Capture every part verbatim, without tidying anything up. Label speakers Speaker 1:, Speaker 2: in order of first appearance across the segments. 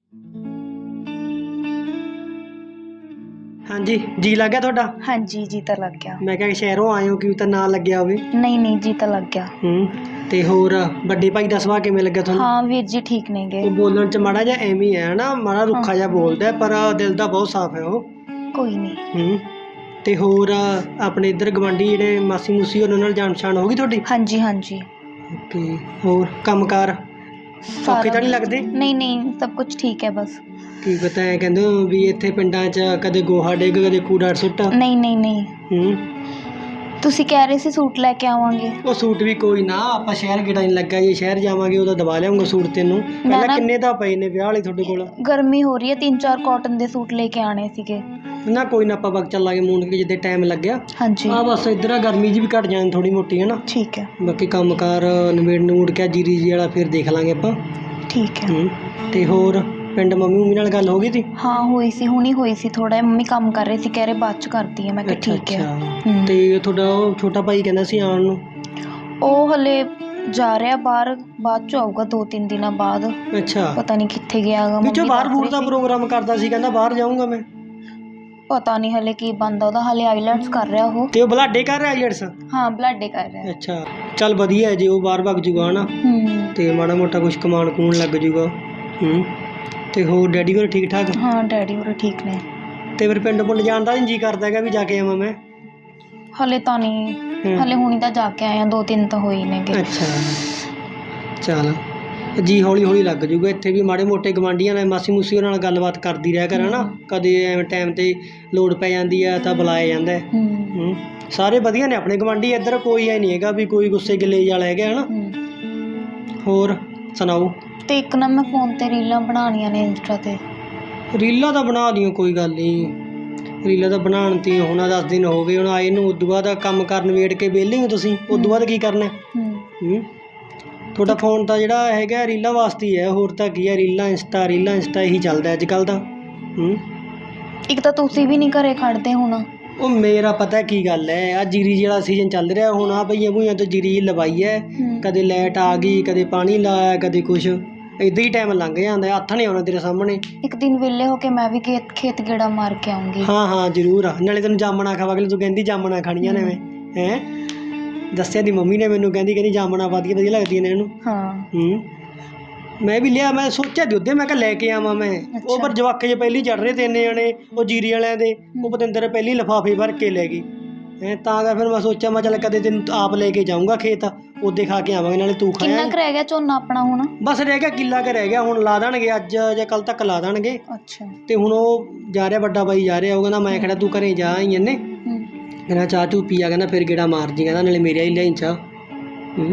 Speaker 1: हाँ जी, जी लग गया ਤੁਹਾਡਾ?
Speaker 2: हाँ जी जी तो लग गया।
Speaker 1: मैं ਕਿਹਾ ਸ਼ਹਿਰੋਂ ਆਏ ਹੋ ਕਿ ਤਾਂ ਨਾ ਲੱਗਿਆ ਹੋਵੇ।
Speaker 2: नहीं नहीं जी तो लग गया।
Speaker 1: ਹੂੰ ਤੇ ਹੋਰ ਵੱਡੇ ਭਾਈ ਦਾ ਸੁਭਾਅ ਕਿਵੇਂ ਲੱਗਿਆ ਤੁਹਾਨੂੰ?
Speaker 2: हाँ वीर जी ठीक नहीं गए।
Speaker 1: ਉਹ ਬੋਲਣ ਚ ਮਾੜਾ ਜਿਹਾ ਐਵੇਂ ਹੀ ਹੈ ਨਾ, ਮਾੜਾ ਰੁੱਖਾ ਜਿਹਾ ਬੋਲਦਾ ਹੈ, ਪਰ ਦਿਲ ਦਾ ਬਹੁਤ ਸਾਫ਼ ਹੈ ਉਹ।
Speaker 2: कोई नहीं।
Speaker 1: ਹੂੰ ਤੇ ਹੋਰ ਆਪਣੇ ਇੱਧਰ ਗਵਾਂਢੀ ਜਿਹੜੇ ਮਾਸੀ ਮੂਸੀ ਉਹਨਾਂ ਨਾਲ ਜਾਣ ਪਛਾਣ ਹੋ ਗਈ ਤੁਹਾਡੀ?
Speaker 2: हाँ जी हाँ जी।
Speaker 1: ਓਕੇ ਹੋਰ ਕੰਮਕਾਰ ਔਖੇ ਤਾਂ ਨਹੀਂ ਲੱਗਦੇ?
Speaker 2: नहीं नहीं सब कुछ ठीक है बस।
Speaker 1: ਕੀ ਪਤਾ ਹੈ ਕਹਿੰਦੇ ਹੋ ਵੀ ਇੱਥੇ ਪਿੰਡਾਂ 'ਚ ਕਦੇ ਗੋਹਾ ਡਿੱਗ ਕਦੇ ਕੂੜਾ ਸੁੱਟ।
Speaker 2: नहीं नहीं नहीं।
Speaker 1: ਹੂੰ
Speaker 2: ਤੁਸੀਂ ਕਹਿ ਰਹੇ ਸੀ ਸੂਟ ਲੈ ਕੇ ਆਵਾਂਗੇ।
Speaker 1: ਉਹ ਸੂਟ ਵੀ ਕੋਈ ਨਾ, ਆਪਾਂ ਸ਼ਹਿਰ ਗੇੜਾ ਨਹੀਂ ਲੱਗਾ, ਜੇ ਸ਼ਹਿਰ ਜਾਵਾਂਗੇ ਉਦੋਂ ਦਬਾ ਲਿਆਉਂਗਾ ਸੂਟ ਤੈਨੂੰ। ਪਹਿਲਾਂ ਕਿੰਨੇ ਤਾਂ ਪਏ ਨੇ ਵਿਆਹ ਵਾਲੇ ਤੁਹਾਡੇ ਕੋਲ?
Speaker 2: ਗਰਮੀ ਹੋ ਰਹੀ ਹੈ, ਤਿੰਨ ਚਾਰ ਕਾਟਨ ਦੇ ਸੂਟ ਲੈ ਕੇ ਆਣੇ ਸੀਗੇ
Speaker 1: ਨਾ। ਕੋਈ ਨਾ ਆਪਾਂ ਵਕਤ ਚੱਲਾਂਗੇ ਮੂੰਡ ਕੇ ਜਿੱਦੇ ਟਾਈਮ ਲੱਗਿਆ।
Speaker 2: ਹਾਂਜੀ
Speaker 1: ਆ ਬਸ ਇੱਧਰ ਆ ਗਰਮੀ ਜੀ ਵੀ ਘਟ ਜਾਣੀ ਥੋੜੀ ਮੋਟੀ ਹੈ ਨਾ।
Speaker 2: ਠੀਕ ਹੈ।
Speaker 1: ਬਾਕੀ ਕੰਮਕਾਰ ਨਿਬੇੜ ਨੂੜ ਕੇ ਜੀਰੀ ਜੀ ਵਾਲਾ ਫਿਰ ਦੇਖ ਲਾਂਗੇ ਆਪਾਂ।
Speaker 2: ਠੀਕ ਹੈ।
Speaker 1: ਹੂੰ ਤੇ ਹੋਰ ਪਿੰਡ ਮੰਮੀ ਮੰਮੀ ਨਾਲ ਗੱਲ ਹੋ ਗਈ ਸੀ?
Speaker 2: ਹਾਂ ਹੋਈ ਸੀ, ਹੁਣੀ ਹੋਈ ਸੀ। ਥੋੜਾ ਮੰਮੀ ਕੰਮ ਕਰ ਰਹੇ ਸੀ, ਕਹਿ ਰਹੇ ਬਾਅਦ ਚ ਕਰਦੀ ਹੈ। ਮੈਂ ਕਿਹਾ ਠੀਕ ਹੈ।
Speaker 1: ਤੇ ਤੁਹਾਡਾ ਉਹ ਛੋਟਾ ਭਾਈ ਕਹਿੰਦਾ ਸੀ ਆਉਣ ਨੂੰ?
Speaker 2: ਉਹ ਹਲੇ ਜਾ ਰਿਹਾ ਬਾਹਰ, ਬਾਅਦ ਚ ਆਊਗਾ ਦੋ ਤਿੰਨ ਦਿਨਾਂ ਬਾਅਦ।
Speaker 1: ਅੱਛਾ
Speaker 2: ਪਤਾ ਨਹੀਂ ਕਿੱਥੇ ਗਿਆਗਾ।
Speaker 1: ਵਿੱਚੋਂ ਬਾਹਰ ਬੂਰ ਦਾ ਪ੍ਰੋਗਰਾਮ ਕਰਦਾ ਸੀ, ਕਹਿੰਦਾ ਬਾਹਰ ਜਾਊਂਗਾ ਮੈਂ।
Speaker 2: ਪਤਾ ਨਹੀਂ ਹਲੇ ਕੀ ਬਣਦਾ ਉਹਦਾ, ਹਲੇ ਆਈਲੈਟਸ ਕਰ ਰਿਹਾ ਉਹ।
Speaker 1: ਤੇ ਉਹ ਬਲਾਡੇ ਕਰ ਰਿਹਾ ਆਈਲੈਟਸ?
Speaker 2: ਹਾਂ ਬਲਾਡੇ ਕਰ ਰਿਹਾ।
Speaker 1: ਅੱਛਾ ਚੱਲ ਵਧੀਆ ਜੇ ਉਹ ਬਾਹਰ ਭੱਜ ਜੂਗਾ ਨਾ, ਤੇ ਮਾੜਾ ਮੋਟਾ ਕੁਛ ਕਮਾਣ ਕੂਣ ਲੱਗ ਜੂਗਾ। ਹੂੰ ਤੇ ਹੋਰ ਡੈਡੀ ਹੋਰ ਠੀਕ ਠਾਕ?
Speaker 2: ਹਾਂ ਡੈਡੀ ਹੋਰ ਠੀਕ ਨੇ।
Speaker 1: ਤੇ ਫਿਰ ਪਿੰਡ ਪੁੰਡ ਜਾਣ ਦਾ ਜੀ ਕਰਦਾ ਹੈਗਾ ਵੀ ਜਾ ਕੇ ਆਵਾਂ ਮੈਂ?
Speaker 2: ਹਲੇ ਤਾਂ ਨਹੀਂ, ਹਲੇ ਹੁਣੀ ਤਾਂ ਜਾ ਕੇ ਆਏ ਆ, ਦੋ ਤਿੰਨ ਤਾਂ ਹੋਈ ਨੇਗੇ।
Speaker 1: ਅੱਛਾ ਚੱਲ ਜੀ ਹੌਲੀ ਹੌਲੀ ਲੱਗ ਜੂਗਾ। ਇੱਥੇ ਵੀ ਮਾੜੇ ਮੋਟੇ ਗਵਾਂਢੀਆਂ ਨਾਲ ਮਾਸੀ ਮੂਸੀ ਉਹਨਾਂ ਨਾਲ ਗੱਲਬਾਤ ਕਰਦੀ ਰਿਹਾ ਕਰ ਹਨਾ। ਕਦੇ ਐਵੇਂ ਟਾਈਮ ਤੇ ਲੋੜ ਪੈ ਜਾਂਦੀ ਆ ਤਾਂ ਬੁਲਾਇਆ ਜਾਂਦਾ। ਹੂੰ ਸਾਰੇ ਵਧੀਆ ਨੇ ਆਪਣੇ ਗਵਾਂਢੀ ਇੱਧਰ, ਕੋਈ ਐ ਨਹੀਂ ਹੈਗਾ ਵੀ ਕੋਈ ਗੁੱਸੇ ਗਿਲੇ ਵਾਲਾ ਹੈਗਾ ਹਨਾ। ਹੋਰ ਸੁਣਾਓ? ਤੇ
Speaker 2: ਇੱਕ ਨਾ ਮੈਂ ਫੋਨ ਤੇ ਰੀਲਾਂ ਬਣਾਉਣੀਆਂ ਨੇ ਇੰਸਟਾ ਤੇ।
Speaker 1: ਰੀਲਾਂ ਤਾਂ ਬਣਾ ਲਈਆਂ ਕੋਈ ਗੱਲ ਨਹੀਂ, ਰੀਲਾਂ ਤਾਂ ਬਣਾਉਣ ਤੇ ਹੁਣ ਦਸ ਦਿਨ ਹੋ ਗਏ ਹੁਣ ਆਏ ਨੂੰ। ਉਦੋਂ ਬਾਅਦ ਕੰਮ ਕਰਨ ਵੇੜ ਕੇ ਵਿਹਲੇ ਹੋ ਤੁਸੀਂ, ਉਦੋਂ ਬਾਅਦ ਕੀ ਕਰਨਾ? ਹੂੰ ਤੁਹਾਡਾ ਫੋਨ ਤਾਂ ਜਿਹੜਾ ਹੈਗਾ ਰੀਲਾਂ ਵਾਸਤੇ ਹੀ ਹੈ, ਹੋਰ ਤਾਂ ਕੀ ਹੈ? ਰੀਲਾਂ ਇੰਸਟਾ ਰੀਲਾਂ ਇੰਸਟਾ ਇਹੀ ਚੱਲਦਾ ਅੱਜ ਕੱਲ੍ਹ ਤਾਂ। ਹੂੰ
Speaker 2: ਇੱਕ ਤਾਂ ਤੁਸੀਂ ਵੀ ਨਹੀਂ ਘਰੇ ਖੜਦੇ ਹੁਣ। ਉਹ
Speaker 1: ਮੇਰਾ ਪਤਾ ਕੀ ਗੱਲ ਹੈ, ਆ ਜੀਰੀ ਜਿਹੜਾ ਸੀਜ਼ਨ ਚੱਲ ਰਿਹਾ ਹੁਣ, ਆ ਭਈਆਂ ਭੂਈਆਂ ਤੋਂ ਜੀਰੀ ਲਵਾਈ ਹੈ। ਕਦੇ ਲਾਈਟ ਆ ਗਈ, ਕਦੇ ਪਾਣੀ ਲਾਇਆ, ਕਦੇ ਕੁਛ ਇੱਦਾਂ ਹੀ ਟਾਈਮ ਲੰਘ ਜਾਂਦਾ। ਹੱਥ ਨਹੀਂ ਆਉਣਾ ਤੇਰੇ ਸਾਹਮਣੇ।
Speaker 2: ਇੱਕ ਦਿਨ ਵਿਹਲੇ ਹੋ ਕੇ ਮੈਂ ਵੀ ਖੇਤ ਖੇਤ ਗੇੜਾ ਮਾਰ ਕੇ ਆਉਂਗੀ।
Speaker 1: ਹਾਂ ਹਾਂ ਜ਼ਰੂਰ ਆ, ਨਾਲੇ ਤੈਨੂੰ ਜਾਮਣਾ ਖਾਵਾਂਗੇ। ਤੂੰ ਕਹਿੰਦੀ ਜਾਮਣਾ ਖਾਣੀਆਂ ਨੇ ਮੈਂ ਹੈਂ ਦੱਸਿਆ ਦੀ ਮੰਮੀ ਨੇ ਮੈਨੂੰ, ਕਹਿੰਦੀ ਕਹਿੰਦੀ ਜਾਮਣਾ ਵਧੀਆ ਵਧੀਆ ਲੱਗਦੀਆਂ ਨੇ ਇਹਨੂੰ।
Speaker 2: ਹਾਂ
Speaker 1: ਹੂੰ ਮੈਂ ਵੀ ਲਿਆ, ਮੈਂ ਸੋਚਿਆ ਦੀ ਉਹਦੇ ਮੈਂ ਕਿਹਾ ਲੈ ਕੇ ਆਵਾਂ ਮੈਂ। ਉਹ ਪਰ ਜਵਾਕੇ ਜੇ ਪਹਿਲੀ ਚੜ ਰਹੇ ਤਿੰਨ ਜਣੇ ਉਹ ਜੀਰੀ ਵਾਲਿਆਂ ਦੇ, ਉਹ ਪਤੰਦਰ ਪਹਿਲੀ ਲਿਫਾਫੇ ਭਰ ਕੇ ਲੈ ਗਈ ਹੈਂ। ਤਾਂ ਕਰ ਫਿਰ ਮੈਂ ਸੋਚਿਆ ਮੈਂ ਚੱਲ ਕਦੇ ਤੈਨੂੰ ਆਪ ਲੈ ਕੇ ਜਾਊਂਗਾ ਖੇਤ, ਉਹਦੇ ਖਾ ਕੇ ਆਵਾਂਗੇ, ਨਾਲੇ ਤੂੰ ਖਾਇਆ।
Speaker 2: ਕਿੰਨਾ ਕੁ ਰਹਿ ਗਿਆ ਝੋਨਾ ਆਪਣਾ ਹੁਣ? ਬਸ
Speaker 1: ਰਹਿ ਗਿਆ ਕਿੱਲਾ ਕੁ ਰਹਿ ਗਿਆ, ਹੁਣ ਲਾ ਦੇਣਗੇ ਅੱਜ ਜਾਂ ਕੱਲ ਤੱਕ ਲਾ ਦੇਣਗੇ।
Speaker 2: ਅੱਛਾ
Speaker 1: ਤੇ ਹੁਣ ਉਹ ਜਾ ਰਿਹਾ ਵੱਡਾ ਬਾਈ ਜਾ ਰਿਹਾ, ਉਹ ਕਹਿੰਦਾ ਮੈਂ ਕਿਹੜਾ ਤੂੰ ਘਰੇ ਜਾ ਆਈ ਇਹਨੇ, ਕਹਿੰਦਾ ਚਾਹ ਚੂ ਪੀਆ, ਕਹਿੰਦਾ ਫਿਰ ਗੇੜਾ ਮਾਰ ਜੀ, ਕਹਿੰਦਾ ਨਾਲੇ ਮੇਰੇ ਹੀ ਲਿਆਈ ਚਾਹ। ਹੂੰ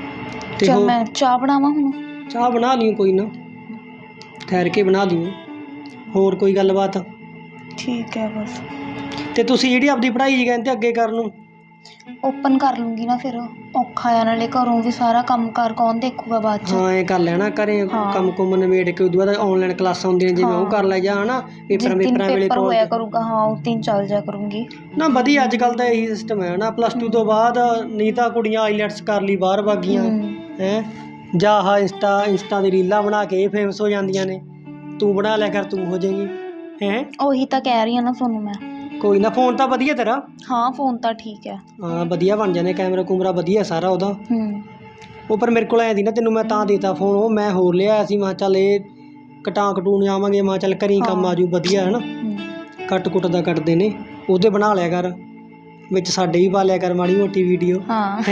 Speaker 1: ਤੇ
Speaker 2: ਚੱਲ ਮੈਂ ਚਾਹ ਬਣਾਵਾਂ ਹੁਣ? ਚਾਹ
Speaker 1: ਬਣਾ ਲਿਓ ਕੋਈ ਨਾ, ਠਹਿਰ ਕੇ ਬਣਾ ਲਿਓ। ਹੋਰ ਕੋਈ ਗੱਲਬਾਤ? ਠੀਕ ਹੈ ਬਸ। ਤੇ ਤੁਸੀਂ ਜਿਹੜੀ ਆਪਦੀ ਪੜ੍ਹਾਈ ਜੀ ਕਹਿੰਦੇ ਅੱਗੇ ਕਰਨ ਨੂੰ? ਓਪਨ ਕਰ ਲੂੰਗੀ ਨਾ, ਫਿਰ ਔਖਾ ਆ, ਨਾਲੇ ਘਰੋਂ ਵੀ ਸਾਰਾ ਕੰਮ ਕਾਰ ਕੌਣ ਦੇਖੂਗਾ ਬਾਅਦ ਚ। ਹਾਂ ਇਹ ਕਰ ਲੈਣਾ ਘਰੇ ਕੰਮ ਕੁੰਮ ਨਿਬੇੜ ਕੇ, ਉਦੋਂ ਬਾਅਦ ਆਨਲਾਈਨ ਕਲਾਸਾਂ ਹੁੰਦੀਆਂ ਜਿਵੇਂ ਉਹ ਕਰ ਲੈ ਜਾ ਹਨਾ। ਪੇਪਰਾਂ ਪੇਪਰਾਂ ਵੇਲੇ ਹੋਇਆ ਕਰੂਗਾ। ਹਾਂ ਉਸ ਦਿਨ ਚੱਲ ਜਾ ਕਰੂੰਗੀ ਨਾ। ਵਧੀਆ ਅੱਜ ਕੱਲ੍ਹ ਤਾਂ ਇਹੀ ਸਿਸਟਮ ਹੈ ਨਾ, ਪਲੱਸ ਟੂ ਤੋਂ ਬਾਅਦ ਨਹੀਂ ਤਾਂ ਕੁੜੀਆਂ ਆਈਲੈਟਸ ਕਰ ਲਈ ਬਾਹਰ ਵਾਗੀਆਂ ਹੈਂ, ਜਾਂ ਆਹ ਇੰਸਟਾ ਇੰਸਟਾ ਦੀ ਰੀਲਾਂ ਬਣਾ ਕੇ ਇਹ ਫੇਮਸ ਹੋ ਜਾਂਦੀਆਂ ਨੇ। ਤੂੰ ਬਣਾ ਲਿਆ ਕਰ, ਤੂੰ ਹੋ ਜਾਏਗੀ ਹੈਂ। ਉਹੀ ਤਾਂ ਕਹਿ ਰਹੀ ਹਾਂ ਨਾ ਤੁਹਾਨੂੰ ਮੈਂ। ਕੋਈ ਨਾ ਫੋਨ ਤਾਂ ਵਧੀਆ ਤੇਰਾ? ਹਾਂ ਫੋਨ ਤਾਂ ਠੀਕ ਹੈ। ਹਾਂ ਵਧੀਆ ਬਣ ਜਾਂਦੇ, ਕੈਮਰਾ ਕੂਮਰਾ ਵਧੀਆ ਸਾਰਾ ਉਹਦਾ। ਹੂੰ ਉਹ ਪਰ ਮੇਰੇ ਕੋਲ ਐਂ ਦੀ ਨਾ, ਤੈਨੂੰ ਮੈਂ ਤਾਂ ਦੇਤਾ ਫੋਨ, ਉਹ ਮੈਂ ਹੋਰ ਲਿਆ ਸੀ। ਮੈਂ ਚੱਲ ਇਹ ਕਟਾ ਕਟੂਣ ਜਾਵਾਂਗੇ, ਮੈਂ ਚੱਲ ਘਰੀ ਕੰਮ ਆ ਜੂ ਵਧੀਆ ਹੈ ਨਾ। ਕੱਟ ਕੁੱਟ ਦਾ ਕੱਟਦੇ ਨੇ, ਉਹਦੇ ਬਣਾ ਲਿਆ ਕਰ, ਵਿੱਚ ਸਾਡੇ ਵੀ ਪਾ ਲਿਆ ਕਰ ਮਾੜੀ ਮੋਟੀ ਵੀਡੀਓ। ਹਾਂ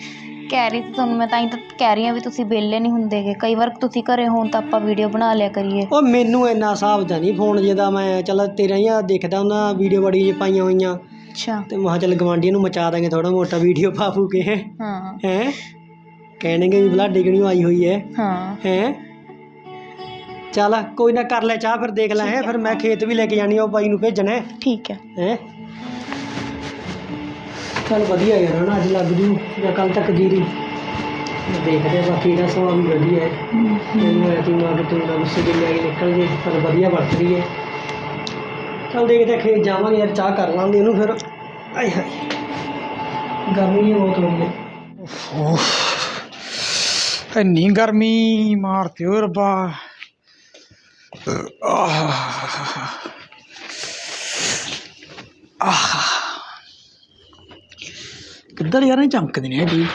Speaker 1: ਕਹਿ ਰਹੀ ਸੀ ਤੁਹਾਨੂੰ ਮੈਂ, ਤਾਂ ਹੀ ਤਾਂ ਕਹਿ ਰਹੀ ਹਾਂ ਵੀ ਤੁਸੀਂ ਵਿਹਲੇ ਨਹੀਂ ਹੁੰਦੇਗੇ, ਕਈ ਵਾਰ ਤੁਸੀਂ ਘਰੇ ਹੋਣ ਤਾਂ ਆਪਾਂ ਵੀਡੀਓ ਬਣਾ ਲਿਆ ਕਰੀਏ। ਉਹ ਮੈਨੂੰ ਇੰਨਾ ਹਿਸਾਬ ਦਾ ਨਹੀਂ ਫੋਨ ਜਿਹਦਾ, ਮੈਂ ਚੱਲ ਤੇਰਾ ਹੀ ਆ ਦੇਖਦਾ ਉਹਨਾਂ ਵੀਡੀਓ ਬੜੀ ਜਿਹੀ ਪਾਈਆਂ ਹੋਈਆਂ। ਅੱਛਾ ਤੇ ਮੈਂ ਚੱਲ ਗਵਾਂਢੀਆਂ ਨੂੰ ਮਚਾ ਦਾਂਗੇ ਥੋੜਾ ਮੋਟਾ ਵੀਡੀਓ ਪਾ ਪੂ ਕੇ। ਹਾਂ ਹੈਂ ਕਹਿਣਗੇ ਵੀ ਬਲਾਡੇ ਕਿਉਂ ਆਈ ਹੋਈ ਹੈ। ਹਾਂ ਹੈਂ ਚੱਲ ਕੋਈ ਨਾ ਕਰ ਲੈ ਚਾਹ, ਫਿਰ ਦੇਖ ਲੈ ਹੈ। ਫਿਰ ਮੈਂ ਖੇਤ ਵੀ ਲੈ ਕੇ ਜਾਣੀ, ਉਹ ਬਾਈ ਨੂੰ ਭੇਜਣਾ। ਠੀਕ ਹੈ ਹੈਂ ਚੱਲ ਵਧੀਆ ਯਾਰ ਹੈ ਨਾ, ਅੱਜ ਲੱਗ ਜੂ ਜਾਂ ਕੱਲ੍ਹ ਤੱਕ ਜੀਰੀ ਦੇਖਦੇ। ਬਾਕੀ ਇਹਦਾ ਸੁਭਾਅ ਵੀ ਵਧੀਆ ਹੈ, ਮੈਨੂੰ ਐ ਤੂੰ ਅੱਗ ਤੂੰ ਨਾ ਗੁੱਸੇ ਗਿੱਲੇ ਆਈ ਨਿਕਲ ਜੇ, ਪਰ ਵਧੀਆ ਵਰਤ ਰਹੀ ਹੈ। ਚੱਲ ਦੇਖਦੇ ਖੇਤ ਜਾਵਾਂਗੇ ਯਾਰ, ਚਾਹ ਕਰ ਲਾਂਗੇ ਉਹਨੂੰ ਫਿਰ। ਆਏ ਹਾਏ ਗਰਮੀ ਬਹੁਤ ਹੋ ਰਹੀ ਹੈ।
Speaker 3: ਇੰਨੀ ਗਰਮੀ ਮਾਰਤੀ ਓ ਰੱਬਾ। ਕਿੱਧਰ ਯਾਰ ਇਹ ਚਮਕਦੇ ਨੇ ਜੀ।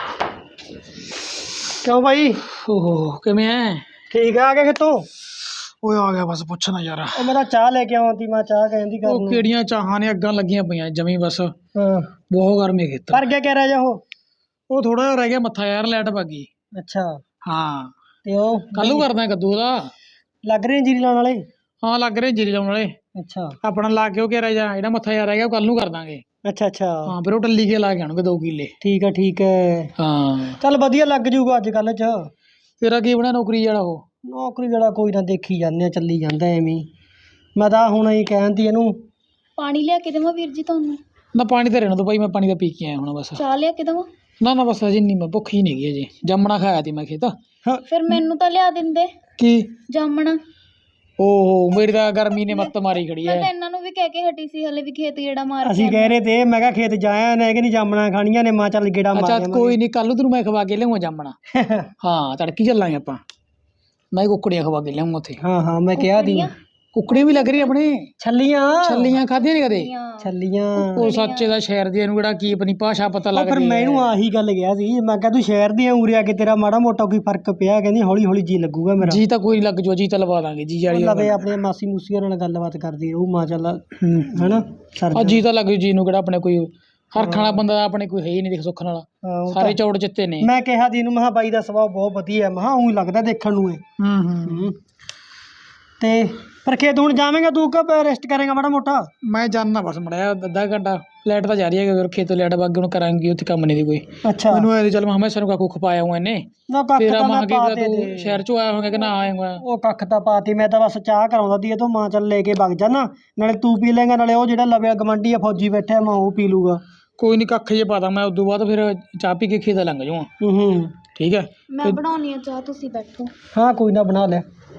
Speaker 1: ਕਿਉਂ ਬਾਈ?
Speaker 3: ਓਹੋ ਕਿਵੇਂ ਐ?
Speaker 1: ਠੀਕ ਆ ਗਿਆ ਕਿਤੋਂ?
Speaker 3: ਓਏ ਆ ਗਿਆ ਬਸ ਪੁੱਛਣਾ ਯਾਰ।
Speaker 1: ਉਹ ਮੈਂ ਤਾਂ ਚਾਹ ਲੈ ਕੇ ਆਵਾਂ ਤੀ, ਮੈਂ ਚਾਹ ਕਹਿੰਦੀ ਕਰ
Speaker 3: ਉਹ ਕਿਹੜੀਆਂ ਚਾਹਾਂ ਨੇ ਅੱਗਾਂ ਲੱਗੀਆਂ ਪਈਆਂ ਜਮੀ ਬਸ।
Speaker 1: ਹਾਂ
Speaker 3: ਬਹੁਤ ਗਰਮੀ ਖੇਤ।
Speaker 1: ਪਰ ਗਿਆ ਕਹਿ ਰਿਹਾ ਜਾ ਉਹ
Speaker 3: ਉਹ ਥੋੜਾ ਜਿਹਾ ਰਹਿ ਗਿਆ ਮੱਥਾ ਯਾਰ, ਲਾਈਟ ਭੱਗ ਗਈ।
Speaker 1: ਅੱਛਾ
Speaker 3: ਹਾਂ
Speaker 1: ਤੇ ਉਹ
Speaker 3: ਕੱਲ ਨੂੰ ਕਰਦਾ ਕੱਦੂ ਦਾ।
Speaker 1: ਲੱਗ ਰਹੇ ਜੀਰੀ ਲਾਉਣ ਵਾਲੇ?
Speaker 3: ਹਾਂ ਲੱਗ ਰਹੇ ਜੀਰੀ ਲਾਉਣ ਵਾਲੇ।
Speaker 1: ਅੱਛਾ
Speaker 3: ਆਪਣਾ ਲਾ ਕੇ ਉਹ ਕਹਿ ਰਿਹਾ ਜਾ, ਜਿਹੜਾ ਮੱਥਾ ਯਾਰ ਰਹਿ ਗਿਆ ਉਹ ਕੱਲ ਨੂੰ ਕਰ ਦਾਂਗੇ।
Speaker 1: ਅੱਛਾ ਅੱਛਾ
Speaker 3: ਹਾਂ ਫਿਰ ਉਹ ਟੱਲੀ ਕੇ ਲਾ ਕੇ ਆਉਣਗੇ ਦੋ ਕਿੱਲੇ।
Speaker 1: ਠੀਕ ਹੈ ਠੀਕ ਹੈ।
Speaker 3: ਹਾਂ
Speaker 1: ਚੱਲ ਵਧੀਆ ਲੱਗ ਜੂਗਾ ਅੱਜ ਕੱਲ੍ਹ ਚ।
Speaker 3: ਤੇਰਾ ਕੀ ਬਣਿਆ ਨੌਕਰੀ ਵਾਲਾ? ਉਹ
Speaker 1: ਨੌਕਰੀ ਵਾਲਾ ਕੋਈ ਨਾ, ਦੇਖੀ ਜਾਂਦੇ ਆ, ਚੱਲੀ ਜਾਂਦਾ ਐਵੇਂ ਹੀ। ਮੈਂ ਤਾਂ ਹੁਣ ਹੀ ਕਹਿੰਦੀ ਇਹਨੂੰ
Speaker 2: ਪਾਣੀ ਲਿਆ ਕੇ ਦੇਵਾਂ ਵੀਰ ਜੀ ਤੁਹਾਨੂੰ?
Speaker 3: ਨਾ ਪਾਣੀ ਤਾਂ ਰਹਿਣ ਦੋ ਭਾਈ, ਮੈਂ ਪਾਣੀ ਤਾਂ ਪੀ ਕੇ ਆਇਆ ਹੁਣ ਬਸ।
Speaker 2: ਚਾਹ ਲਿਆ ਕੇ ਦੇਵਾਂ?
Speaker 3: ਨਾ ਨਾ ਬਸ ਅਜੇ ਨਹੀਂ, ਮੈਂ ਭੁੱਖ ਹੀ ਨਹੀਂ ਗਈ ਅਜੇ। ਜਾਮਣਾ ਖਾਇਆ ਤੀ ਮੈਂ ਖੇਤ।
Speaker 2: ਫਿਰ ਮੈਨੂੰ ਤਾਂ ਲਿਆ ਦਿੰਦੇ
Speaker 3: ਕੀ?
Speaker 2: ਜਾਮਣਾ।
Speaker 3: ਓਹੋ ਮੇਰੀ ਤਾਂ ਗਰਮੀ ਨੇ ਮੱਤ ਮਾਰੀ ਖੜੀ
Speaker 2: ਮੈਂ
Speaker 3: ਐ।
Speaker 2: ਤਾਂ ਇਹਨਾਂ ਨੂੰ ਵੀ ਕਹਿ ਕੇ ਹਟੀ ਸੀ, ਹਲੇ ਵੀ ਖੇਤ ਗੇੜਾ ਮਾਰ ਕੇ
Speaker 1: ਅਸੀਂ ਕਹਿ ਰਹੇ ਤੇ, ਮੈਂ ਕਿਹਾ ਖੇਤ ਜਾਇਆ ਨੇ ਕਿ ਨਹੀਂ ਜਾਮਣਾ ਖਾਣੀਆਂ ਨੇ, ਮਾਂ ਚੱਲ ਗੇੜਾ ਮਾਰ
Speaker 3: ਅੱਛਾ
Speaker 1: ਆਵਾਂਗੇ।
Speaker 3: ਕੋਈ ਨਹੀਂ, ਕੱਲ ਨੂੰ ਤੈਨੂੰ ਮੈਂ ਖਵਾ ਕੇ ਲਿਆਉਂਗਾ ਜਾਮਣਾ। ਹਾਂ ਤੜਕੀ ਚੱਲਾਂਗੇ ਆਪਾਂ। ਮੈਂ ਕੁੱਕੜੀਆਂ ਖਵਾ ਕੇ ਲਿਆਉਂਗਾ ਉੱਥੇ।
Speaker 1: ਹਾਂ ਹਾਂ ਮੈਂ ਕਿਹਾ ਦੀ
Speaker 3: ਕੁੱਕੜੀਆਂ ਵੀ ਲੱਗ ਰਹੀ ਆਪਣੇ।
Speaker 1: ਛੱਲੀਆਂ
Speaker 3: ਛੱਲੀਆਂ ਖਾਧੀਆਂ ਨੀ ਕਦੇ?
Speaker 1: ਛੱਲੀਆਂ
Speaker 3: ਉਹ ਸੱਚੇ ਦਾ ਸ਼ਹਿਰ ਦੀ ਨੂੰ ਕਿਹੜਾ ਕੀ ਆਪਣੀ ਭਾਸ਼ਾ ਪਤਾ
Speaker 1: ਉਹ ਫਿਰ
Speaker 3: ਲੱਗਦੀ
Speaker 1: ਮੈਨੂੰ ਆਹੀ ਗੱਲ ਗਿਆ ਸੀ, ਮੈਂ ਕਿਹਾ ਤੂੰ ਸ਼ਹਿਰ ਦੀ ਉਰੇ ਆ ਕੇ ਤੇਰਾ ਮਾੜਾ ਮੋਟਾ ਕੋਈ ਫਰਕ ਪਿਆ? ਕਹਿੰਦੀ ਹੌਲੀ ਹੌਲੀ ਜੀ ਲੱਗੂਗਾ ਮੇਰਾ।
Speaker 3: ਜੀ ਤਾਂ ਕੋਈ ਨੀ ਲੱਗ ਜੂ, ਜੀ ਤਾਂ ਲਵਾ ਦਾਂਗੇ ਜੀ ਵਾਲੀ।
Speaker 1: ਲਵੇ ਆਪਣੇ ਮਾਸੀ ਮੂਸੀਆਂ ਨਾਲ ਗੱਲਬਾਤ ਕਰਦੀ ਰਹੂ, ਮਾਂ ਚੱਲ ਹਨਾ ਸਰ
Speaker 3: ਆ ਜੀ ਤਾਂ ਲੱਗ ਜੂ ਜੀ ਨੂੰ, ਕਿਹੜਾ ਆਪਣੇ ਕੋਈ ਹਰਖ ਵਾਲਾ ਬੰਦਾ ਆਪਣੇ ਕੋਈ ਹੈ ਹੀ ਨਹੀਂ ਦੇਖ ਸੁੱਖ ਨਾਲ। ਸਾਰੇ ਚੌੜ ਚਿੱਤੇ ਨੇ।
Speaker 1: ਮੈਂ ਕਿਹਾ ਦੀ ਨੂੰ, ਮਹਾ ਬਾਈ ਦਾ ਸੁਭਾਅ ਬਹੁਤ ਵਧੀਆ, ਮਹਾ ਉਹੀ ਲੱਗਦਾ ਦੇਖਣ ਨੂੰ ਇਹ।
Speaker 3: ਹੂੰ ਹੂੰ
Speaker 1: ਤੇ ਪਰ ਖੇਤ ਹੁਣ ਜਾਵੇਂਗਾ ਤੂੰ ਕਿ ਰੈਸਟ ਕਰੇਗਾ ਮਾੜਾ ਮੋਟਾ?
Speaker 3: ਮੈਂ ਜਾਣਾ ਬਸ ਮੜਿਆ ਅੱਧਾ ਘੰਟਾ। ਲਾਈਟ ਤਾਂ ਜਾ ਰਹੀ ਹੈ, ਖੇਤੋਂ ਲਾਈਟ ਵਗ ਹੁਣ ਕਰਾਂਗੀ ਉੱਥੇ ਕੰਮ ਨਹੀਂ ਦੀ ਕੋਈ।
Speaker 1: ਅੱਛਾ
Speaker 3: ਮੈਨੂੰ ਐ ਚੱਲ ਮੈਂ ਹਮੇਸ਼ਾ ਨੂੰ ਕਾਕੂ ਖਪਾਇਆ ਹੂੰ ਇਹਨੇ।
Speaker 1: ਨਾ ਕੱਖ
Speaker 3: ਤੇਰਾ
Speaker 1: ਤਾਂ
Speaker 3: ਮਾਂ
Speaker 1: ਮੈਂ
Speaker 3: ਕੀ
Speaker 1: ਪਾ
Speaker 3: ਤੂੰ
Speaker 1: ਦੇ
Speaker 3: ਸ਼ਹਿਰ ਚੋਂ ਆਇਆ ਹੋਗਾ ਕਿ ਨਾ ਆਏਗਾ?
Speaker 1: ਉਹ ਕੱਖ ਤਾਂ ਪਾਤੀ, ਮੈਂ ਤਾਂ ਬਸ ਚਾਹ ਕਰਾਉਂਦਾ ਦੀ, ਇਹ ਤੋਂ ਮਾਂ ਚੱਲ ਲੈ ਕੇ ਵਗ ਜਾਣਾ, ਨਾਲੇ ਤੂੰ ਪੀ ਲੇਗਾ, ਨਾਲੇ ਉਹ ਜਿਹੜਾ ਲਵੇ ਗਵਾਂਢੀ ਆ ਫੌਜੀ ਬੈਠਾ ਮੈਂ ਉਹ ਪੀ ਲੂਗਾ।
Speaker 3: ਕੋਈ ਨਹੀਂ ਕੱਖ ਜੇ ਪਾ ਦਾਂ ਮੈਂ, ਉਦੋਂ ਬਾਅਦ ਫਿਰ ਚਾਹ ਪੀ ਕੇ ਖੇਤ ਲੰਘ ਜਾਊਂਗਾ।
Speaker 1: ਹੂੰ ਹੂੰ
Speaker 3: ਠੀਕ ਹੈ
Speaker 2: ਮੈਂ ਬਣਾਉਣੀ ਆ ਚਾਹ, ਤੁਸੀਂ ਬੈਠੋ।
Speaker 1: ਹਾਂ ਕੋਈ ਨਾ ਬਣਾ ਲੈ।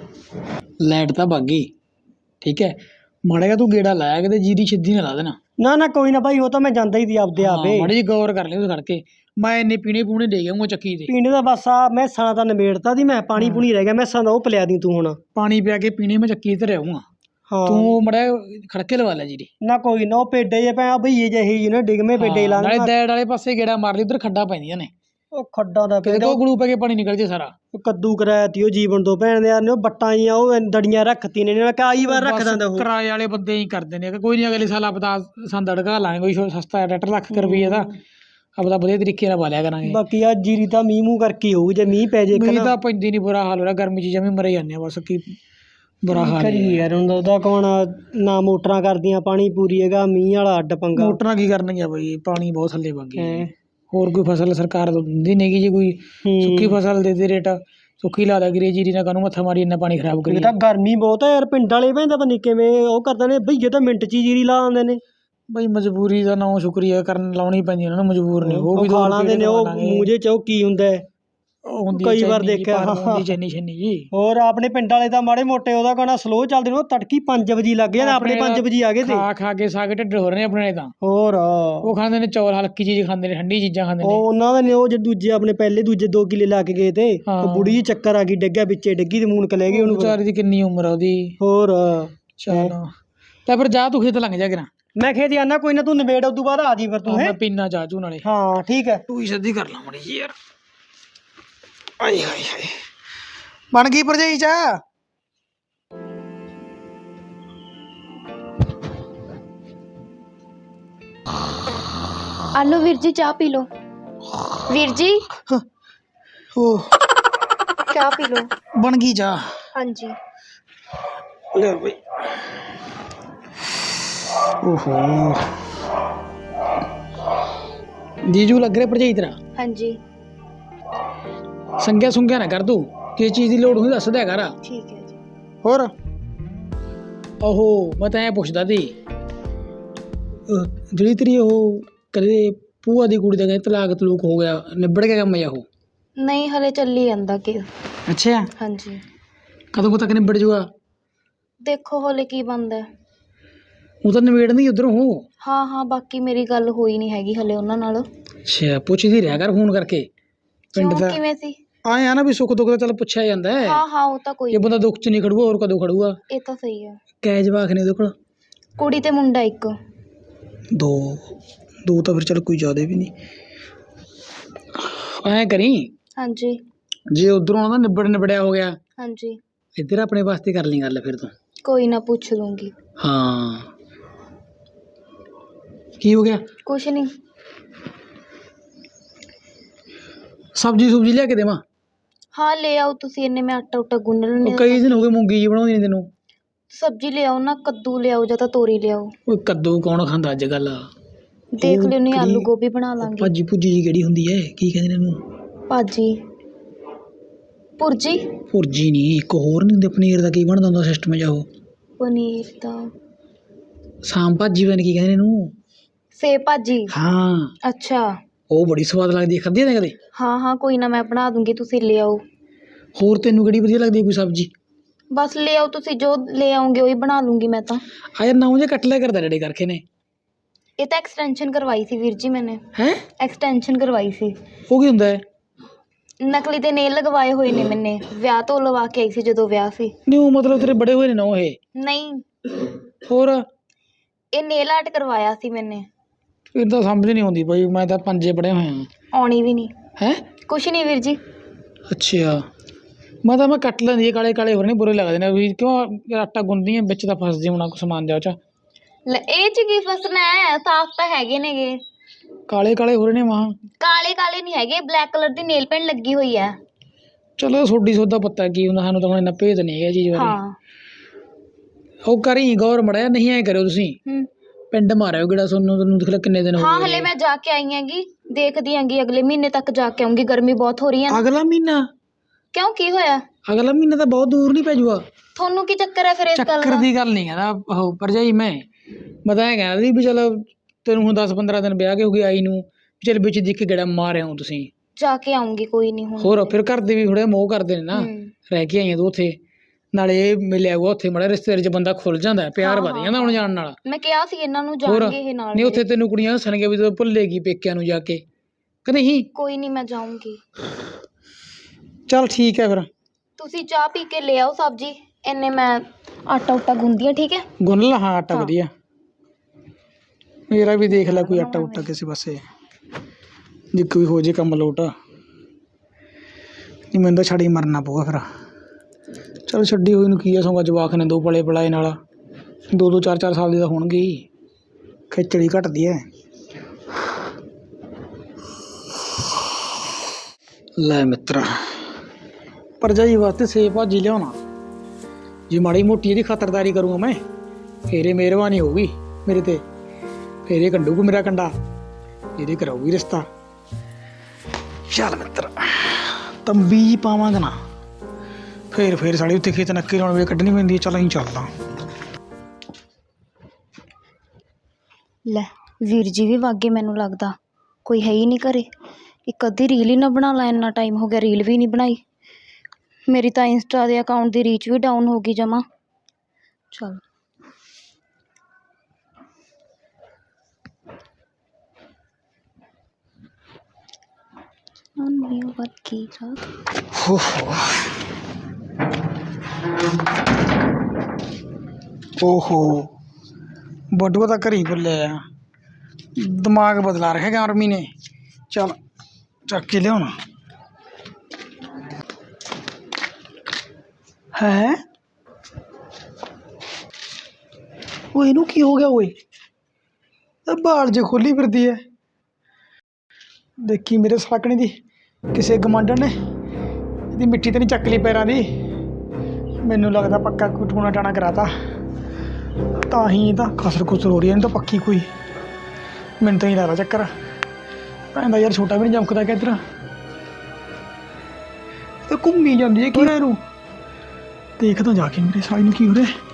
Speaker 3: ਲਾਈਟ ਤਾਂ ਭੱਗ ਗਈ। ਠੀਕ ਹੈ ਮਾੜਾ ਜਿਹਾ ਤੂੰ ਗੇੜਾ ਲਾਇਆ ਕਿਤੇ, ਜੀਰੀ ਸਿੱਧੀ ਨਾ ਲਾ ਦੇਣਾ।
Speaker 1: ਨਾ ਨਾ ਕੋਈ ਨਾ ਭਾਈ, ਉਹ ਤਾਂ ਮੈਂ ਜਾਂਦਾ ਹੀ ਸੀ ਆਪਦੇ ਆਪੇ।
Speaker 3: ਮਾੜੀ ਜੀ ਗੌਰ ਕਰ ਲਈ ਉਸ ਖੜਕੇ। ਮੈਂ ਇੰਨੇ ਪੀਣੇ ਪੂਣੇ ਦੇ ਗਿਆ ਚੱਕੀ ਤੇ।
Speaker 1: ਪੀਣੇ ਦਾ ਬਸ ਆ ਮੈਸਾਂ ਦਾ ਨਿਬੇੜਤਾ ਦੀ ਮੈਂ, ਪਾਣੀ ਪੂਣੀ ਰਹਿ ਗਿਆ ਮੈਸਾਂ ਦਾ, ਉਹ ਪਿਲਾ ਦੀ ਤੂੰ ਹੁਣ।
Speaker 3: ਪਾਣੀ ਪਿਆ ਕੇ ਪੀਣੇ ਮੈਂ ਚੱਕੀ ਤੇ ਰਹੂੰਗਾ।
Speaker 1: ਹਾਂ
Speaker 3: ਤੂੰ ਮੜਾ ਖੜਕੇ ਲਵਾ ਲੈ ਜੀਰੀ।
Speaker 1: ਨਾ ਕੋਈ ਨਾ, ਉਹ ਪੇਡੇ ਜੇ ਪੈ ਭਈਏ ਜਿਹੇ ਹੀ ਨੇ ਡਿਗਵੇਂ ਪੇਡੇ ਲਾ
Speaker 3: ਨਾਲੇ
Speaker 1: ਦੇਣਾ।
Speaker 3: ਦੈੜ ਵਾਲੇ ਪਾਸੇ ਗੇੜਾ ਮਾਰ ਲਈ, ਉਧਰ ਖੱਡਾਂ ਪੈਂਦੀਆਂ ਨੇ।
Speaker 1: ਉਹ ਖੱਡਾਂ ਦਾ
Speaker 3: ਕਿਤੇ
Speaker 1: ਪਿੰਡ
Speaker 3: ਕੋ ਗਲੂ ਪੈ ਕੇ ਪਾਣੀ ਨਿਕਲ ਜੇ ਸਾਰਾ।
Speaker 1: ਕੱਦੂ ਕਰਾਇਆ ਤੀ ਉਹ ਜੀਵਨ ਤੋਂ ਭੈਣ ਦੇ ਯਾਰ ਨੇ, ਉਹ ਬੱਟਾਂ ਜੀਆਂ ਉਹ ਦੜੀਆਂ ਰੱਖਤੀ ਨੇ, ਮੈਂ ਕਈ ਵਾਰ ਰੱਖ ਦਿੰਦਾ ਉਹ।
Speaker 3: ਕਿਰਾਏ ਵਾਲੇ ਬੰਦੇ ਹੀ ਕਰਦੇ ਨੇ। ਕੋਈ ਨਹੀਂ ਅਗਲੇ ਸਾਲ ਆਪਦਾ ਸੰਦ ਅੜਕਾ ਲਾਂਗੇ, ਕੋਈ ਸਸਤਾ ਟਰੈਕਟਰ ਲੱਖ ਰੁਪਈਏ ਦਾ ਆਪਦਾ ਵਧੀਆ ਤਰੀਕੇ ਨਾਲ ਪਾਲਿਆ ਕਰਾਂਗੇ।
Speaker 1: ਬਾਕੀ ਆ ਜੀਰੀ ਤਾਂ ਮੀਂਹ ਮੂੰਹ ਕਰਕੇ ਹੋਊ, ਜੇ ਮੀਂਹ ਪੈ ਜੇ
Speaker 3: ਮੀਂਹ ਤਾਂ ਪੈਂਦੀ ਨਹੀਂ, ਬੁਰਾ ਹਾਲ ਹੋ ਰਿਹਾ ਗਰਮੀ 'ਚ ਜਮੀ ਮਰੇ ਜਾਂਦੇ ਆ ਬਸ। ਕੀ ਬੁਰਾ ਹਾਲ
Speaker 1: ਕਰੀ ਯਾਰ ਹੁਣ ਉਹਦਾ ਕੌਣ ਨਾ, ਮੋਟਰਾਂ ਕਰਦੀਆਂ ਪਾਣੀ ਪੂਰੀ ਹੈਗਾ, ਮੀਂਹ ਵਾਲਾ ਅੱਡ ਪੰਗਾ।
Speaker 3: ਮੋਟਰਾਂ ਕੀ ਕਰਨਗੀਆਂ ਬਈ, ਪਾਣੀ ਬਹੁਤ ਥੱਲੇ ਵਗ ਗਿਆ। ਹੋਰ ਕੋਈ ਫਸਲ ਸਰਕਾਰ ਦਿੰਦੀ ਨਹੀਂ ਗੀ, ਜੇ ਕੋਈ ਸੁੱਕੀ ਫਸਲ ਦੇ ਦੇ ਰੇਟ ਸੁੱਕੀ ਲਾ ਦਿਆ ਕਰੀਏ, ਜੀਰੀ ਨਾਲ ਕਾਹਨੂੰ ਮੱਥਾ ਮਾਰੀ ਇੰਨਾ ਪਾਣੀ ਖਰਾਬ ਕਰੀਏ।
Speaker 1: ਤਾਂ ਗਰਮੀ ਬਹੁਤ ਹੈ ਯਾਰ, ਪਿੰਡ ਵਾਲੇ ਭੈਣ ਪਤਾ ਨਹੀਂ ਕਿਵੇਂ ਉਹ ਕਰਦੇ ਨੇ ਭਈਏ, ਤਾਂ ਮਿੰਟ 'ਚ ਹੀ ਜੀਰੀ ਲਾ ਆਉਂਦੇ ਨੇ।
Speaker 3: ਬਈ ਮਜਬੂਰੀ ਦਾ ਨਾਂ ਸ਼ੁਕਰੀਆ ਕਰਨ ਲਾਉਣੀ ਪੈਂਦੀ ਉਹਨਾਂ ਨੂੰ, ਮਜਬੂਰ ਨੇ ਉਹ ਵੀ।
Speaker 1: ਖਾ ਲਾਂਦੇ ਨੇ ਉਹ ਮੂੰਹ ਚ, ਉਹ ਕੀ ਹੁੰਦਾ ਹੈ ਕਈ ਵਾਰ ਦੇਖਿਆ।
Speaker 3: ਚੈਨੀ ਛੰਨੀ ਜੀ।
Speaker 1: ਹੋਰ ਆਪਣੇ ਪਿੰਡ ਵਾਲੇ ਤਾਂ ਮਾੜੇ ਮੋਟੇ ਉਹਦਾ ਕਹਿਣਾ ਸਲੋ ਚੱਲਦੇ ਨੇ, ਉਹ ਤੜਕੀ ਪੰਜ ਵਜੇ ਲੱਗ ਜਾਂਦੇ, ਆਪਣੇ ਪੰਜ ਵਜੇ ਆ ਗਏ ਤੇ
Speaker 3: ਖਾ ਖਾ ਕੇ ਸਾਗ ਢਿੱਡ ਹੋ ਰਹੇ ਨੇ ਆਪਣੇ ਤਾਂ।
Speaker 1: ਹੋਰ
Speaker 3: ਉਹ ਖਾਂਦੇ ਨੇ ਚੌਲ, ਹਲਕੀ ਚੀਜ਼ ਖਾਂਦੇ ਨੇ, ਠੰਡੀ ਚੀਜ਼ਾਂ ਖਾਂਦੇ ਨੇ।
Speaker 1: ਉਹ ਉਹਨਾਂ ਦੇ ਨੇ ਉਹ ਜਿਹੜੇ ਦੂਜੇ ਆਪਣੇ ਪਹਿਲੇ ਦੂਜੇ ਦੋ ਕਿੱਲੇ ਲਾ ਕੇ ਗਏ ਤੇ, ਉਹ ਬੁੜੀ ਜੀ ਚੱਕਰ ਆ ਗਈ, ਡਿੱਗਿਆ ਵਿੱਚੇ ਡਿੱਗੀ ਤੇ ਮੂਨਕ ਲੈ ਗਈ ਉਹਨੂੰ।
Speaker 3: ਵਿਚਾਰੀ ਦੀ ਕਿੰਨੀ ਉਮਰ ਆ ਉਹਦੀ।
Speaker 1: ਹੋਰ
Speaker 3: ਚਲੋ ਤਾਂ ਫਿਰ ਜਾ ਤੂੰ ਖੇਤ ਲੰਘ ਜਾ ਕਿਰਾ।
Speaker 1: ਮੈਂ ਖੇਤ ਜਾਣਾ, ਕੋਈ ਨਾ ਤੂੰ ਨਿਬੇੜ ਉਦੋਂ ਬਾਅਦ ਆ ਜੀ ਫਿਰ ਤੂੰ।
Speaker 3: ਮੈਂ ਪੀਣਾ ਚਾਹ ਚੂ ਨਾਲੇ।
Speaker 1: ਹਾਂ ਠੀਕ ਹੈ।
Speaker 3: ਤੂੰ ਹੀ ਸਿੱਧੀ ਕਰ ਲਾ ਮੜੀ ਜੀ ਯਾਰ। ਆਏ ਹਾਏ ਹਾਏ ਬਣ ਗਈ ਭਰਜਾਈ ਚਾਹ।
Speaker 2: ਆਲੋ ਵੀਰ ਜੀ ਚਾਹ ਪੀ ਲਓ। ਵੀਰ ਜੀ
Speaker 3: ਉਹ
Speaker 2: ਚਾਹ ਪੀ ਲਓ।
Speaker 3: ਬਣ ਗਈ ਚਾਹ।
Speaker 2: ਹਾਂਜੀ
Speaker 3: ਲੈ ਬਈ। ਓਹੋ ਜੀਜੂ ਲੱਗ ਰਿਹਾ ਭਰਜਾਈ ਤੇਰਾ?
Speaker 2: ਹਾਂਜੀ।
Speaker 3: ਸੰਗਿਆ ਸੁੰਗਿਆ ਨਾ ਕਰ ਤੂੰ, ਕਿਸ ਚੀਜ਼ ਦੀ ਲੋੜ ਹੁੰਦੀ ਦੱਸ ਦਿਆ ਕਰ।
Speaker 2: ਠੀਕ ਹੈ ਜੀ।
Speaker 3: ਹੋਰ ਓਹੋ ਮੈਂ ਤਾਂ ਐਂ ਪੁੱਛਦਾ ਸੀ, ਜਿਹੜੀ ਤੇਰੀ ਉਹ ਕਦੇ ਭੂਆ ਦੀ ਕੁੜੀ ਦਾ ਕਹਿੰਦੇ ਤਲਾਕ ਤਲੂਕ ਹੋ ਗਿਆ, ਨਿਬੜ ਗਿਆ ਕੰਮ ਜਾਂ ਉਹ?
Speaker 2: ਨਹੀਂ ਹਲੇ ਚੱਲੀ ਜਾਂਦਾ ਕਿ।
Speaker 3: ਅੱਛਾ
Speaker 2: ਹਾਂਜੀ।
Speaker 3: ਕਦੋਂ ਕੁ ਤੱਕ ਨਿਬੜ ਜੂਗਾ?
Speaker 2: ਦੇਖੋ ਹਲੇ ਕੀ ਬਣਦਾ।
Speaker 3: ਉਹ ਤਾਂ ਨਿਬੇੜਨ ਦੀ ਉੱਧਰੋਂ ਹੋ।
Speaker 2: ਹਾਂ ਹਾਂ ਬਾਕੀ ਮੇਰੀ ਗੱਲ ਹੋਈ ਨਹੀਂ ਹੈਗੀ ਹਲੇ ਉਹਨਾਂ ਨਾਲ।
Speaker 3: ਅੱਛਾ ਪੁੱਛਦੀ ਰਿਹਾ ਕਰ ਫੋਨ ਕਰਕੇ ਪਿੰਡ
Speaker 2: ਕਿਉਂ
Speaker 3: ਦਾ।
Speaker 2: ਕਿਵੇਂ ਸੀ?
Speaker 3: ਆਏ ਆ ਨਾ ਵੀ ਸੁੱਖ ਦੁੱਖ ਦਾ ਚੱਲ ਪੁੱਛਿਆ ਜਾਂਦਾ ਹੈ।
Speaker 2: ਹਾਂ ਹਾਂ ਉਹ ਤਾਂ ਕੋਈ
Speaker 3: ਇਹ ਬੰਦਾ ਦੁੱਖ 'ਚ ਨਹੀਂ ਖੜੂਗਾ ਹੋਰ ਕਦੋਂ ਖੜੂਗਾ।
Speaker 2: ਇਹ ਤਾਂ ਸਹੀ ਹੈ।
Speaker 3: ਕੈ ਜਵਾਕ ਨੇ ਉਹਦੇ ਕੋਲ?
Speaker 2: ਕੁੜੀ ਤੇ ਮੁੰਡਾ ਇੱਕ।
Speaker 3: ਦੋ ਦੋ ਤਾਂ ਫਿਰ ਚੱਲ ਕੋਈ ਜ਼ਿਆਦਾ ਵੀ ਨਹੀਂ। ਐਂ ਕਰੀ,
Speaker 2: ਹਾਂਜੀ
Speaker 3: ਜੇ ਉਧਰੋਂ ਉਹਦਾ ਨਿਬੜ ਨਿਬੜਿਆ ਹੋ ਗਿਆ,
Speaker 2: ਹਾਂਜੀ
Speaker 3: ਇੱਧਰ ਆਪਣੇ ਵਾਸਤੇ ਕਰ ਲਈ ਗੱਲ ਫਿਰ ਤੂੰ।
Speaker 2: ਕੋਈ ਨਾ ਪੁੱਛ ਲੂੰਗੀ।
Speaker 3: ਹਾਂ ਕੀ ਹੋ ਗਿਆ?
Speaker 2: ਕੁਛ ਨਹੀਂ।
Speaker 3: ਸਬਜ਼ੀ ਸੁਬਜ਼ੀ ਲਿਆ ਕੇ ਦੇਵਾਂ?
Speaker 2: ਹਾਂ ਲੈ ਆਓ ਤੁਸੀਂ, ਇੰਨੇ ਮੈਂ ਆਟਾ ਉਟਾ ਗੁੰਨ ਲੈਣੀ।
Speaker 3: ਉਹ ਕਈ ਦਿਨ ਹੋ ਗਏ ਮੂੰਗੀ ਜੀ ਬਣਾਉਂਦੀ ਨਹੀਂ ਤੈਨੂੰ।
Speaker 2: ਸਬਜ਼ੀ ਲਿਆਓ ਨਾ, ਕੱਦੂ ਲਿਆਓ ਜਾਂ ਤਾਂ ਤੋਰੀ ਲਿਆਓ।
Speaker 3: ਉਹ ਕੱਦੂ ਕੌਣ ਖਾਂਦਾ ਅੱਜ ਕੱਲ?
Speaker 2: ਦੇਖ ਲਿਓ, ਨਹੀਂ ਆਲੂ ਗੋਭੀ ਬਣਾ ਲਾਂਗੇ।
Speaker 3: ਭਾਜੀ ਭੁੱਜੀ ਜੀ ਕਿਹੜੀ ਹੁੰਦੀ ਹੈ, ਕੀ ਕਹਿੰਦੇ ਨੇ ਇਹਨੂੰ?
Speaker 2: ਭਾਜੀ ਭੁਰਜੀ?
Speaker 3: ਭੁਰਜੀ ਨਹੀਂ, ਇੱਕ ਹੋਰ ਨਹੀਂ ਹੁੰਦੇ ਪਨੀਰ ਦਾ, ਕੀ ਬਣਦਾ ਹੁੰਦਾ ਸਿਸਟਮ ਜਿਹਾ ਉਹ?
Speaker 2: ਪਨੀਰ ਦਾ
Speaker 3: ਸਾਮ ਭਾਜੀ ਬਣ, ਕੀ ਕਹਿੰਦੇ ਨੇ ਇਹਨੂੰ?
Speaker 2: ਸੇਬ ਭਾਜੀ।
Speaker 3: ਹਾਂ
Speaker 2: ਅੱਛਾ
Speaker 3: ਉਹ ਬੜੀ ਸਵਾਦ ਲੱਗਦੀ ਹੈ, ਖਾਧੀ ਹੈ ਕਦੇ?
Speaker 2: ਹਾਂ ਹਾਂ ਕੋਈ ਨਾ, ਮੈਂ ਬਣਾ ਦੂੰਗੀ, ਤੁਸੀਂ ਲੈ ਆਓ।
Speaker 3: ਹੋਰ ਤੈਨੂੰ ਕਿਹੜੀ ਵਧੀਆ ਲੱਗਦੀ ਹੈ ਕੋਈ ਸਬਜ਼ੀ?
Speaker 2: ਬਸ ਲੈ ਆਓ ਤੁਸੀਂ, ਜੋ ਲੈ ਆਉਂਗੇ ਉਹੀ ਬਣਾ ਲੂੰਗੀ ਮੈਂ ਤਾਂ।
Speaker 3: ਆ ਯਾਰ ਨਾਉ ਜੇ ਕੱਟ ਲਿਆ ਕਰਦਾ ਡੈਡੀ ਕਰਕੇ ਨੇ।
Speaker 2: ਇਹ ਤਾਂ ਐਕਸਟੈਂਸ਼ਨ ਕਰਵਾਈ ਸੀ ਵੀਰ ਜੀ ਮੈਨੇ।
Speaker 3: ਹੈ
Speaker 2: ਐਕਸਟੈਂਸ਼ਨ ਕਰਵਾਈ ਸੀ।
Speaker 3: ਉਹ ਕੀ ਹੁੰਦਾ ਹੈ?
Speaker 2: ਨਕਲੀ ਦੇ ਨੇਲ ਲਗਵਾਏ ਹੋਏ ਨੇ ਮੈਨੇ, ਵਿਆਹ ਤੋਂ ਲਵਾ ਕੇ ਆਈ ਸੀ ਜਦੋਂ ਵਿਆਹ ਸੀ।
Speaker 3: ਨਹੀਂ ਉਹ ਮਤਲਬ ਤੇਰੇ ਬੜੇ ਹੋਏ ਨੇ ਨਾ ਇਹ?
Speaker 2: ਨਹੀਂ
Speaker 3: ਹੋਰ
Speaker 2: ਇਹ ਨੇਲ ਆਰਟ ਕਰਵਾਇਆ ਸੀ ਮੈਨੇ।
Speaker 3: ਫਿਰ ਤਾਂ ਸਮਝ ਨਹੀਂ ਆਉਂਦੀ ਬਈ, ਮੈਂ ਤਾਂ ਪੰਜੇ ਪੜੇ ਹੋਏ ਆ।
Speaker 2: ਆਉਣੀ ਵੀ ਨਹੀਂ
Speaker 3: ਹੈ?
Speaker 2: ਕੁਛ ਨਹੀਂ ਵੀਰ ਜੀ।
Speaker 3: ਅੱਛਾ ਮੈਂ ਤਾਂ ਮੈਂ ਕੱਟ ਲੈਂਦੀ, ਕਾਲੇ ਕਾਲੇ ਹੋਰ ਨਹੀਂ ਬੁਰੇ ਲੱਗਦੇ ਨੇ ਵੀ, ਕਿਉਂ ਆਟਾ ਗੁੰਨਦੀ ਆ ਵਿੱਚ ਤਾਂ ਫਸਦੀ ਹੋਣਾ ਕੁਛ ਸਮਾਨ ਜਾ ਉਹ 'ਚ।
Speaker 2: ਲੈ ਇਹ ਚ ਕੀ ਫਸਣਾ ਹੈ, ਸਾਫ਼ ਤਾਂ ਹੈਗੇ ਨੇਗੇ।
Speaker 3: ਕਾਲੇ ਕਾਲੇ ਹੋ ਰਹੇ ਨੇ ਵਾਹ।
Speaker 2: ਕਾਲੇ ਕਾਲੇ ਨਹੀਂ ਹੈਗੇ, ਬਲੈਕ ਕਲਰ ਦੀ ਨੇਲ ਪੈਂਟ ਲੱਗੀ ਹੋਈ ਹੈ।
Speaker 3: ਚਲੋ ਤੁਹਾਡੀ ਸੋਦਾ ਪਤਾ ਕੀ ਹੁੰਦਾ, ਸਾਨੂੰ ਤਾਂ ਹੁਣ ਇੰਨਾ ਭੇਦ ਨਹੀਂ ਹੈਗਾ ਚੀਜ਼ ਬਾਰੇ।
Speaker 2: ਹਾਂ
Speaker 3: ਉਹ ਕਰੀ ਗੌਰ ਮੜਿਆ, ਨਹੀਂ ਐਂ ਕਰਿਓ ਤੁਸੀਂ,
Speaker 2: ਹੂੰ
Speaker 3: ਪਿੰਡ ਮਾਰਿਓ ਕਿਹੜਾ ਤੁਹਾਨੂੰ ਤੈਨੂੰ ਦੇਖ ਲੈ ਕਿੰਨੇ ਦਿਨ ਹੋ
Speaker 2: ਹਾਂ
Speaker 3: ਗਏ।
Speaker 2: ਹਲੇ ਮੈਂ ਜਾ ਕੇ ਆਈ ਹੈਗੀ, ਦੇਖਦੀ ਹੈਗੀ ਅਗਲੇ ਮਹੀਨੇ ਤੱਕ ਜਾ ਕੇ ਆਉਂਗੀ, ਗਰਮੀ ਬਹੁਤ ਹੋ ਰਹੀ ਹੈ ਨਾ।
Speaker 3: ਅਗਲਾ ਮਹੀਨਾ?
Speaker 2: ਕਿਉਂ ਕੀ ਹੋਇਆ?
Speaker 3: ਅਗਲਾ ਮਹੀਨਾ ਤਾਂ ਬਹੁਤ ਦੂਰ ਨਹੀਂ ਪੈ ਜੂਗਾ।
Speaker 2: ਤੁਹਾਨੂੰ ਕੀ ਚੱਕਰ ਹੈ ਫਿਰ ਇਸ ਗੱਲ
Speaker 3: ਚੱਕਰ
Speaker 2: ਦਾ?
Speaker 3: ਦੀ ਗੱਲ ਨਹੀਂ ਕਹਿੰਦਾ ਉਹ ਭਰਜਾਈ, ਮੈਂ ਮੈਂ ਤਾਂ ਐਂ ਕਹਿੰਦਾ ਸੀ ਵੀ ਚਲ ਤੈਨੂੰ ਹੁਣ ਦਸ ਪੰਦਰਾਂ ਦਿਨ ਵਿਆਹ ਕੇ ਹੋ ਗਈ ਆਈ ਨੂੰ, ਚੱਲ ਵਿੱਚ ਦੇਖ ਕੇ ਗੇੜਾ ਮਾਰ ਆਉਂ ਤੁਸੀਂ।
Speaker 2: ਜਾ ਕੇ ਆਉਂਗੀ ਕੋਈ ਨਹੀਂ ਹੁਣ।
Speaker 3: ਹੋਰ ਫਿਰ ਘਰ ਦੇ ਵੀ ਥੋੜ੍ਹਾ ਮੋਹ ਕਰਦੇ ਨੇ ਨਾ,
Speaker 2: ਹੂੰ
Speaker 3: ਰਹਿ ਕੇ ਆਈਆਂ ਤੂੰ ਉੱਥੇ, ਨਾਲੇ ਇਹ ਮਿਲਿਆ ਹੋਊਗਾ ਉੱਥੇ ਮਾੜਾ ਰਿਸ਼ਤੇਦਾਰੀ 'ਚ ਬੰਦਾ ਖੁੱਲ ਜਾਂਦਾ, ਪਿਆਰ
Speaker 2: ਹਾਂ,
Speaker 3: ਵਧ ਜਾਂਦਾ ਆਉਣ ਜਾਣ ਨਾਲ।
Speaker 2: ਮੈਂ ਕਿਹਾ ਸੀ ਇਹਨਾਂ ਨੂੰ
Speaker 3: ਹੋਰ
Speaker 2: ਜਾਣਗੇ ਇਹ ਨਾਲ
Speaker 3: ਨਹੀਂ ਉੱਥੇ
Speaker 2: ਮੇਰੇ।
Speaker 3: ਤੈਨੂੰ ਕੁੜੀਆਂ ਹੱਸਣਗੀਆਂ ਵੀ ਤੂੰ ਭੁੱਲੇਗੀ ਪੇਕਿਆਂ ਨੂੰ ਜਾ ਕੇ, ਕਿ ਨਹੀਂ?
Speaker 2: ਕੋਈ ਨਹੀਂ ਮੈਂ ਜਾਊਂਗੀ।
Speaker 3: ਚੱਲ ਠੀਕ ਹੈ ਫਿਰ।
Speaker 2: ਤੁਸੀਂ ਚਾਹ ਪੀ ਕੇ ਲੈ ਆਓ ਸਬਜ਼ੀ, ਇੰਨੇ ਮੈਂ ਆਟਾ ਉਟਾ ਗੁੰਦੀ ਆ, ਠੀਕ ਹੈ?
Speaker 3: ਗੁੰਨ ਲਾ ਹਾਂ ਆਟਾ ਵਧੀਆ। ਮੇਰਾ ਵੀ ਦੇਖ ਲੈ ਕੋਈ ਆਟਾ ਉਟਾ ਕਿਸੇ ਪਾਸੇ, ਜੇ ਕੋਈ ਹੋ ਜੇ ਕੰਮ ਲੋਟ, ਨਹੀਂ ਮੈਨੂੰ ਤਾਂ ਛੱਡ ਹੀ ਮਰਨਾ ਪਊਗਾ ਫਿਰ। ਚਲ ਛੱਡੀ ਹੋਈ ਨੂੰ ਕੀ ਆ, ਸੌਂਗਾ ਜਵਾਕ ਨੇ ਦੋ ਪਲੇ ਪਲਾਏ ਨਾਲ, ਦੋ ਦੋ ਚਾਰ ਚਾਰ ਸਾਲ ਦੀ ਤਾਂ ਹੋਣਗੇ ਹੀ, ਖਿਚੜੀ ਘਟਦੀ ਹੈ। ਲੈ ਮਿੱਤਰਾ ਭਰਜਾਈ ਵਾਸਤੇ ਸੇਬ ਭਾਜੀ ਲਿਆਉਣਾ, ਜੇ ਮਾੜੀ ਮੋਟੀ ਇਹਦੀ ਖਾਤਰਦਾਰੀ ਕਰੂੰਗਾ ਮੈਂ, ਫੇਰ ਇਹ ਮਿਹਰਬਾਨੀ ਹੋਊਗੀ ਮੇਰੇ ਤੇ, ਫੇਰ ਇਹ ਕੱਢੂਗਾ ਮੇਰਾ ਕੰਡਾ, ਇਹਦੇ ਕਰਾਊਗੀ ਰਿਸ਼ਤਾ। ਚੱਲ ਮਿੱਤਰ ਤੰਬੀ ਪਾਵਾਂਗਾ ਨਾ, ਫੇਰ ਫੇਰ ਸਾਡੀ ਉੱਥੇ ਖੇਤ ਨੱਕੇ ਲਾਉਣ ਵੇਲੇ ਕੱਢਣੀ ਪੈਂਦੀ ਹੈ। ਚੱਲ ਅਸੀਂ ਚੱਲਦਾ।
Speaker 2: ਲੈ ਵੀਰ ਜੀ ਵੀ ਵਾਗੇ, ਮੈਨੂੰ ਲੱਗਦਾ ਕੋਈ ਹੈ ਹੀ ਨਹੀਂ ਘਰੇ। ਇੱਕ ਅੱਧੀ ਰੀਲ ਹੀ ਨਾ ਬਣਾ ਲਾ, ਇੰਨਾ ਟਾਈਮ ਹੋ ਗਿਆ ਰੀਲ ਵੀ ਨਹੀਂ ਬਣਾਈ। ਮੇਰੀ ਤਾਂ ਇੰਸਟਾ ਦੇ ਅਕਾਊਂਟ ਦੀ ਰੀਚ ਵੀ ਡਾਊਨ ਹੋ ਗਈ ਜਮਾ। ਚਲ ਕੀ
Speaker 3: ਓਹੋ ਬਟੂਆ ਤਾਂ ਘਰੀ ਭੁੱਲਿਆ ਆ, ਦਿਮਾਗ ਬਦਲਾ ਰੱਖਿਆ ਆਰਮੀ ਨੇ। ਚੱਲ ਚੱਕ ਕੇ ਲਿਆਉਣਾ ਹੈ। ਉਹ ਇਹਨੂੰ ਕੀ ਹੋ ਗਿਆ ਓਏ, ਇਹ ਬਾਲ ਜੇ ਖੋਲੀ ਫਿਰਦੀ ਹੈ। ਦੇਖੀ ਮੇਰੇ ਸਾਕਣੀ ਦੀ ਕਿਸੇ ਗਮਾਂਡਣ ਨੇ ਇਹਦੀ ਮਿੱਟੀ ਤਾਂ ਨਹੀਂ ਚੱਕ ਲਈ ਪੈਰਾਂ ਦੀ। ਮੈਨੂੰ ਲੱਗਦਾ ਪੱਕਾ ਕੋਈ ਟੂਣਾ ਟਾਣਾ ਕਰਾਤਾ, ਤਾਂ ਹੀ ਤਾਂ ਖਸਰ ਖੁਸਰ ਹੋ ਰਹੀ ਹੈ। ਇਹਨੂੰ ਤਾਂ ਪੱਕੀ ਕੋਈ, ਮੈਨੂੰ ਤਾਂ ਹੀ ਲੱਗਦਾ ਚੱਕਰ ਪੈਂਦਾ ਯਾਰ, ਛੋਟਾ ਵੀ ਨਹੀਂ ਜਮਕਦਾ ਕਿ ਇੱਧਰ ਤਾਂ ਘੁੰਮੀ ਜਾਂਦੀ ਹੈ। ਕੀ ਹੋਇਆ ਇਹਨੂੰ, ਦੇਖਦਾ ਜਾ ਕੇ ਮੇਰੇ ਸਾਲੀ ਨੂੰ ਕੀ ਹੋ ਰਿਹਾ।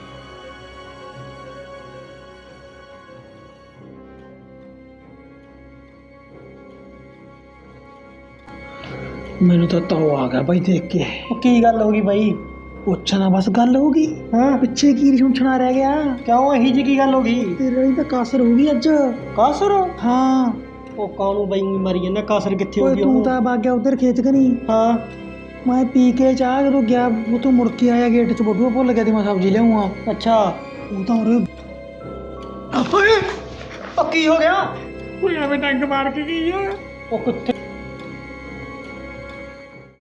Speaker 3: ਮੈਨੂੰ ਤਾਂ ਤਾਉ ਆ ਗਿਆ ਬਾਈ ਦੇਖ ਕੇ।
Speaker 1: ਕੀ ਗੱਲ ਹੋ ਗਈ ਬਾਈ?
Speaker 3: ਪੁੱਛਣਾ ਬਸ ਗੱਲ ਹੋ ਗਈ,
Speaker 1: ਹਾਂ
Speaker 3: ਪਿੱਛੇ ਕੀ ਸੁਣਛਣਾ ਰਹਿ ਗਿਆ?
Speaker 1: ਕਿਉਂ ਇਹੀ ਜੀ ਕੀ ਗੱਲ ਹੋ ਗਈ?
Speaker 3: ਤੇਰੇ ਲਈ ਤਾਂ ਕਾਸਰ ਹੋ ਗਈ ਅੱਜ।
Speaker 1: ਕਾਸਰ?
Speaker 3: ਹਾਂ
Speaker 1: ਉਹ ਕਾਹਨੂੰ ਬਾਈ ਮਰੀ ਜਾਂਦਾ, ਕਾਸਰ ਕਿੱਥੇ ਹੋ
Speaker 3: ਓਏ
Speaker 1: ਗਈ?
Speaker 3: ਤੂੰ ਤਾਂ ਵਗ ਗਿਆ ਉਧਰ ਖੇਤ ਕਨੀ,
Speaker 1: ਹਾਂ
Speaker 3: ਮੈਂ ਪੀ ਕੇ ਚਾਹ ਜਦੋਂ ਗਿਆ ਉਹ ਤੋਂ ਮੁੜ ਕੇ ਆਇਆ ਗੇਟ 'ਚ ਬੋਡੂਆ ਭੁੱਲ ਗਿਆ ਤੇ ਮੈਂ ਸਬਜ਼ੀ ਲਿਆਉਂਗਾ।
Speaker 1: ਅੱਛਾ ਉਹ ਤਾਂ ਉਰੇ ਓਏ ਉਹ ਕੀ ਹੋ ਗਿਆ?
Speaker 3: ਕੋਈ ਐਵੇਂ ਡੰਗ ਮਾਰ ਕੇ ਗਈ ਆ।
Speaker 1: ਉਹ ਕਿੱਥੇ